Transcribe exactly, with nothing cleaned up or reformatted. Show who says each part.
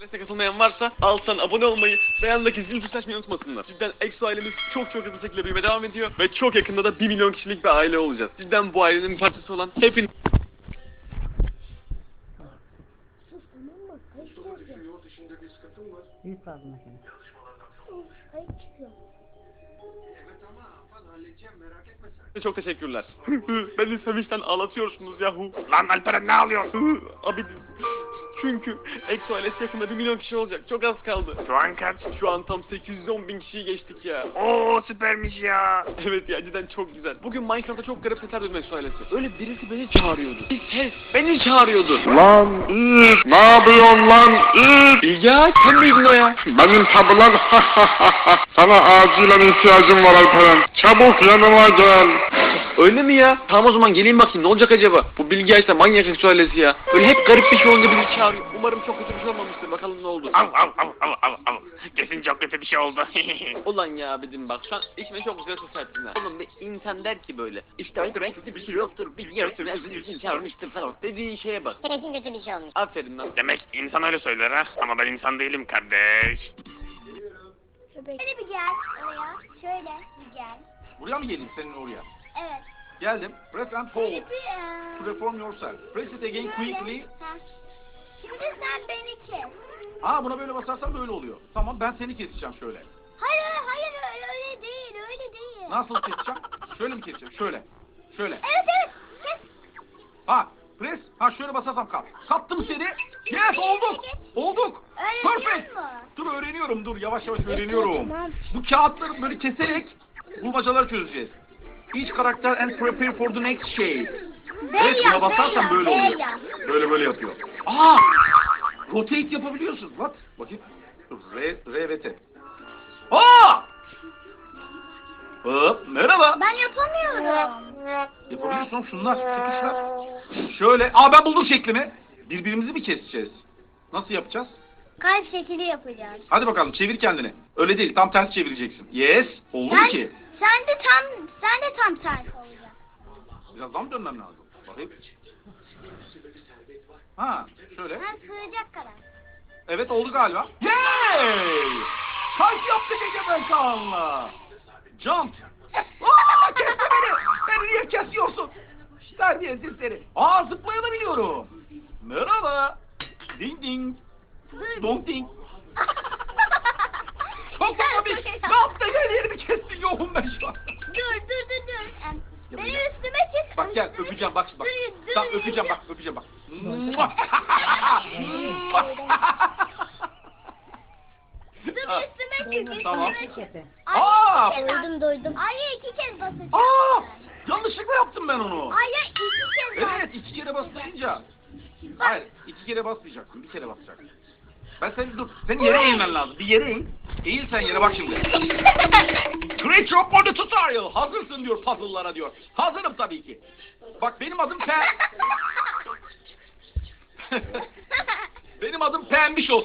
Speaker 1: Exoales'e katılmayan varsa alttan abone olmayı ve yanındaki zil tuşunu açmayı unutmasınlar. Cidden Exo ailemiz çok çok hızlı şekilde büyümeye devam ediyor ve çok yakında da bir milyon kişilik bir aile olacağız. Cidden bu ailenin bir parçası olan hepiniz...
Speaker 2: Büyük fazla makine.
Speaker 1: Çok teşekkürler. Beni sevinçten ağlatıyorsunuz yahu.
Speaker 3: Lan Alperen ne alıyorsun?
Speaker 1: Abi çünkü Exo ailesi yakında bir milyon kişi olacak. Çok az kaldı.
Speaker 3: Şu an kaç?
Speaker 1: Şu an tam sekiz yüz on bin kişiyi geçtik ya.
Speaker 3: Oo süpermiş ya.
Speaker 1: Evet ya cidden çok güzel. Bugün Minecraft'ta çok garip sesler duydum Exo ailesi. Öyle birisi beni çağırıyordu. Bir ses beni çağırıyordu.
Speaker 4: Lan İz, ne yapıyorsun lan İz?
Speaker 1: Ya sen miydin o ya?
Speaker 4: Benim tabi lan. Sana acilen ihtiyacım var Alperen. Çabuk yanıma gel.
Speaker 1: Öyle mi ya? Tamam o zaman geleyim bakayım ne olacak acaba? Bu Bilge Ayşe manyak Exo ailesi ya. Böyle hep garip bir şey olunca biri çağırıyor. Umarım çok kötü bir şey olmamıştır. Bakalım ne oldu.
Speaker 3: Av av av av av av. Kesin çok kötü bir şey oldu.
Speaker 1: Ulan ya abidim bak şu an içime çok güzel ses ettin ha. Oğlum bir insan der ki böyle. İşte Alperen kötü bir şey yoktur. Bilge Ayşe özür için çağırmıştır falan. Dediğin şeye bak.
Speaker 5: Kesin kötü bir şey olmuş.
Speaker 1: Aferin lan.
Speaker 3: Demek insan öyle söyler ha. Ama ben insan değilim kardeş.
Speaker 5: Şöyle bir gel oraya. Şöyle bir gel.
Speaker 6: Buraya mı geleyim senin oraya?
Speaker 5: Evet.
Speaker 6: Geldim. Press and hold
Speaker 5: Şöyle bir, eee,
Speaker 6: to reform yourself. Press it again
Speaker 5: şöyle.
Speaker 6: quickly.
Speaker 5: Ha. Şimdi sen beni kes.
Speaker 6: Aa buna böyle basarsan böyle oluyor. Tamam ben seni keseceğim şöyle.
Speaker 5: Hayır hayır öyle, öyle değil öyle değil.
Speaker 6: Nasıl keseceğim? Şöyle mi keseceğim? Şöyle. Şöyle.
Speaker 5: Evet evet kes.
Speaker 6: Ha press. Ha şöyle basarsam kal. Kattım seni. Yes olduk. Olduk.
Speaker 5: Öğreniyor
Speaker 6: Perfect.
Speaker 5: musun?
Speaker 6: Dur öğreniyorum dur yavaş yavaş öğreniyorum.
Speaker 5: Tamam.
Speaker 6: Bu kağıtları böyle keserek bulmacaları çözeceğiz. Each karakter and prepare for the next shape. Evet buna basarsan böyle oluyor. Böyle böyle yapıyor. Aa! Rotate yapabiliyorsun. What? Bakayım. Dur, R, R ve T. Aa! Hop, merhaba.
Speaker 5: Ben yapamıyorum.
Speaker 6: Yapabiliyorsun şunlar, şu tuşlar. Şöyle. Aa ben buldum şeklimi. Birbirimizi mi keseceğiz? Nasıl yapacağız?
Speaker 5: Kalp şekli yapacağız.
Speaker 6: Hadi bakalım çevir kendini. Öyle değil, tam ters çevireceksin. Yes. Oldu mu
Speaker 5: Sen,
Speaker 6: ki?
Speaker 5: sen de tam sen de tam ters olacaksın.
Speaker 6: Biraz daha mı dönmem lazım? Bakayım. Ha, şöyle.
Speaker 5: Ben sığacak kadar.
Speaker 6: Evet oldu galiba. Yay! Kalp yaptık Egemen Kaan'la. Jump. Aa kesti beni. Beni niye kesiyorsun? Terbiyesiz seni. Aa zıplayabiliyorum. Merhaba. Ding ding. Dong ding. Çok komik. Ne yaptın her yerimi kestin yoğun ben şu an.
Speaker 5: Dur dur dur dur. Em,
Speaker 6: Ya
Speaker 5: Beni
Speaker 6: bak-
Speaker 5: üstüme çık.
Speaker 6: Bak gel
Speaker 5: üstüme
Speaker 6: öpeceğim
Speaker 5: çık.
Speaker 6: bak bak.
Speaker 5: Dur, dur,
Speaker 6: Tamam
Speaker 5: dur.
Speaker 6: öpeceğim bak öpeceğim bak.
Speaker 5: Dur üstüme çık.
Speaker 6: Tamam.
Speaker 5: Üstüme çık.
Speaker 6: Aa!
Speaker 5: Ay, iki kez doydum doydum. Ay iki kez basacağım.
Speaker 6: Aa! Yanlışlıkla yaptım ben onu.
Speaker 5: Ay ya iki kez bas.
Speaker 6: Evet iki kere basmayınca. Hayır iki kere basmayacaksın bir kere basacaksın. Ben seni dur. Senin yere eğilmen lazım. Bir yere eğil. Eğil sen yere bak şimdi. Great job for the tutorial. Hazırsın diyor puzzle'lara diyor. Hazırım tabii ki. Bak benim adım Pem. Benim adım Pembiş olsun.